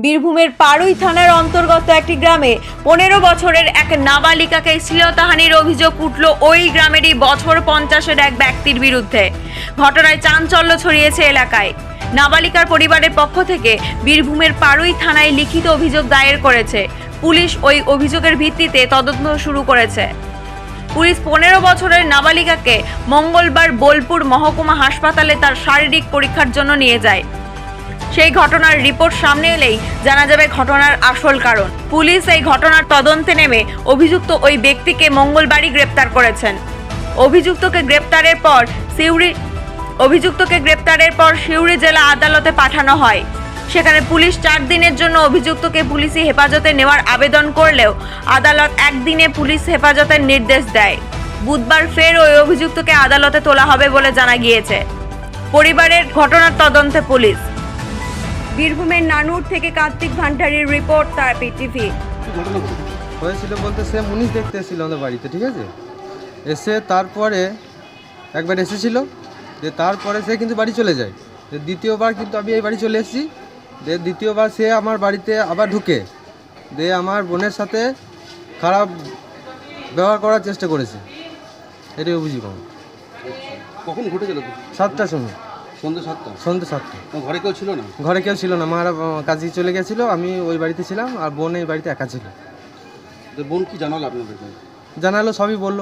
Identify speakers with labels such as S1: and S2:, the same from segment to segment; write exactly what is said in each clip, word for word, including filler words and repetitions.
S1: বীরভূমের পাড়ুই থানার অন্তর্গত একটি গ্রামে পনেরো বছরের এক নাবালিকাকে শ্লীলতাহানির অভিযোগ উঠল ওই গ্রামেরই বছর পঞ্চাশের এক ব্যক্তির বিরুদ্ধে। ঘটনায় চাঞ্চল্য ছড়িয়েছে এলাকায়। নাবালিকার পরিবারের পক্ষ থেকে বীরভূমের পাড়ুই থানায় লিখিত অভিযোগ দায়ের করেছে। পুলিশ ওই অভিযোগের ভিত্তিতে তদন্ত শুরু করেছে। পুলিশ পনেরো বছরের নাবালিকাকে মঙ্গলবার বোলপুর মহকুমা হাসপাতালে তার শারীরিক পরীক্ষার জন্য নিয়ে যায়। সেই ঘটনার রিপোর্ট সামনে এলেই জানা যাবে ঘটনার আসল কারণ। পুলিশ এই ঘটনার তদন্তে নেমে অভিযুক্ত ওই ব্যক্তিকে মঙ্গলবারই গ্রেপ্তার করেছেন। অভিযুক্তকে গ্রেপ্তারের পর সিউড়ি অভিযুক্তকে গ্রেপ্তারের পর সিউড়ি জেলা আদালতে পাঠানো হয়। সেখানে পুলিশ চার দিনের জন্য অভিযুক্তকে পুলিশি হেফাজতে নেওয়ার আবেদন করলেও আদালত একদিনে পুলিশ হেফাজতের নির্দেশ দেয়। বুধবার ফের ওই অভিযুক্তকে আদালতে তোলা হবে বলে জানা গিয়েছে। পরিবারের ঘটনার তদন্তে পুলিশ। বীরভূমের নানুর থেকে কার্তিক ভান্ডারীর রিপোর্ট, তারাপীঠ টিভি।
S2: হয়েছিল বলতে সে মুনিশ দেখতে এসেছিল আমাদের বাড়িতে, ঠিক আছে। এসে তারপরে একবার এসেছিল, যে তারপরে সে কিন্তু বাড়ি চলে যায়। যে দ্বিতীয়বার কিন্তু আমি এই বাড়ি চলে এসেছি, যে দ্বিতীয়বার সে আমার বাড়িতে আবার ঢুকে দিয়ে আমার বোনের সাথে খারাপ ব্যবহার করার চেষ্টা করেছে। এটাই অভিযোগ আমার।
S3: কখন ঘটেছিল?
S2: সাতটার সময়,
S3: সন্ধ্যে সাতটা।
S2: সন্ধ্যে সাতটা।
S3: ঘরে কেউ ছিল না?
S2: ঘরে কেউ ছিল না, মারা কাজে চলে গেছিলো, আমি ওই বাড়িতে ছিলাম আর বোন এই বাড়িতে একা ছিল।
S3: তো বোন কি জানালো আপনাদেরকে?
S2: জানালো, সবই বললো।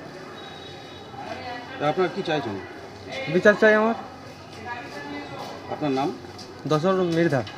S3: আপনার কি চাইছেন?
S2: বিচার চাই আমার।
S3: আপনার নাম?
S2: দশর মৃধা।